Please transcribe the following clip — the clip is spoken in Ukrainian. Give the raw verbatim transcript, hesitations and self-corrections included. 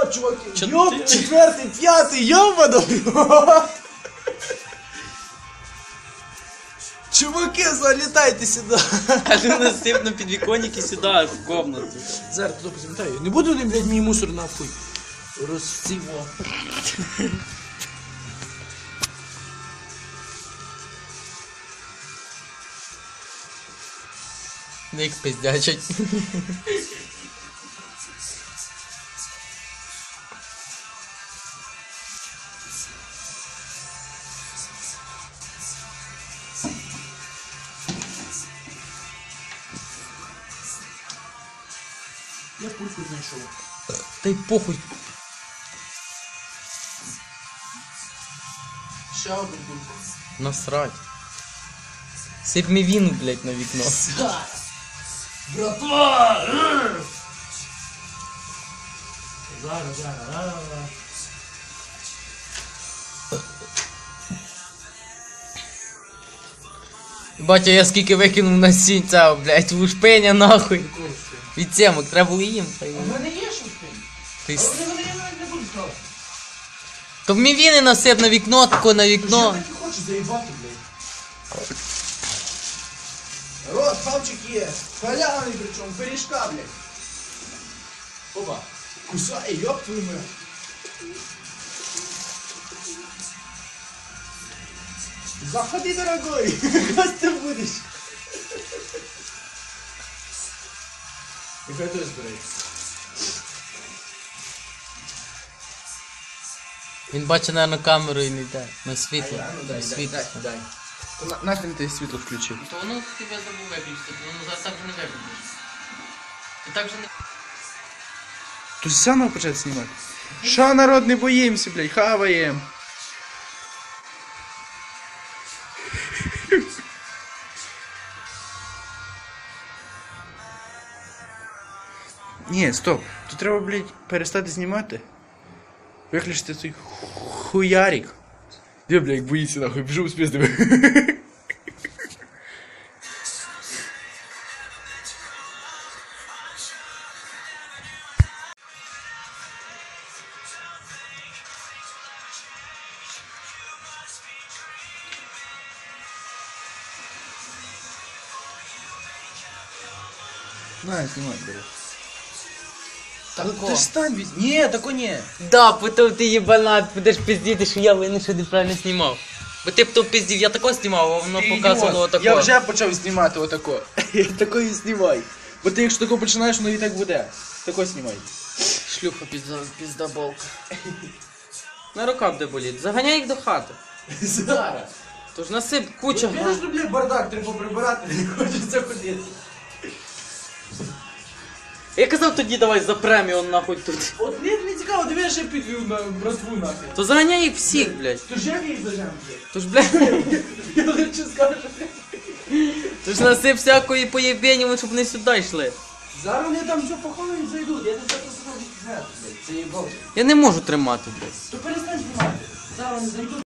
рот, чуваки. Чо Йоп, ти? четвертий, п'ятий, йобано. Чуваки, залітайте сюди. А ти насип на підвіконник і сюди, в комнату. Зараз туди позамітаю. Не буду вони, блядь, мій мусор нахуй. Розціво. Ник пиздячать. Я пульку знайшов. Та й похуй. Ще одну пульку. Насрать. Сип мівіну, блядь, на вікно. Братва! Зараз, зараз, зараз. Батя, я скільки викинув на сінь цього, блядь, лушпеня нахуй. Від цемок, треба було їм. Та й- У мене є щось тим. Ти... Але с- вони я навіть не буду ставити. То мівіни насип на вікно, тако на Я вікно. так і хочу заїбати, блядь. Рот, хавчик є. Халявний причому, пиріжка, блядь. Опа. Кусай, ёб твою мать. Заходи, дорогой. Как ты будешь? И хай той збирай. Він бачить, наверно, камеру і не йде. На світло. А я, ну На дай, світло. дай, дай. То на- нахрен ти світло включив? То воно тебе забув виключити, то воно зараз так же не виключиш. Ти так же не... Тут заново почати знімати. Що, народ, не боїмося, блядь, хаваєм. Ні, стоп. Тут треба, блядь, перестати знімати. Виключити цей хуярик. Де, блядь, боїться нахуй, біжу спіздив. На, знімай, блядь. Тако. Ти ж стань від... Ні, тако ні. Да, потім ти єбанат, будеш пиздіти, що я винен, що неправильно знімав. Бо ти б то пиздів, я тако знімав, а воно Ти показувало ідіот. отако. Я вже почав знімати отако. Я тако і знімай. Бо ти якщо тако починаєш, воно і так буде. Тако знімай. Шлюха пізда, піздаболка. На рука буде боліти. Заганяй їх до хати. Зараз. Тож насип куча. Я ж люблю бардак, треба прибирати, не хочеться ходити. Я казав тоді давай за премію он нахуй тут. От мені не цікаво, диви, я ще підвів на братву нахер. То заганяй їх всіх, блядь. То ж як їх зажем, блядь? Тож, блядь, Я лише скажу, блядь. тож насип всякої поєбені, щоб не сюди йшли. Зараз вони там все поховають, зайдуть, я тебе просто зроблю, блядь, це їбав. Я не можу тримати, блядь. То перестань знімати. Зараз вони зайдуть.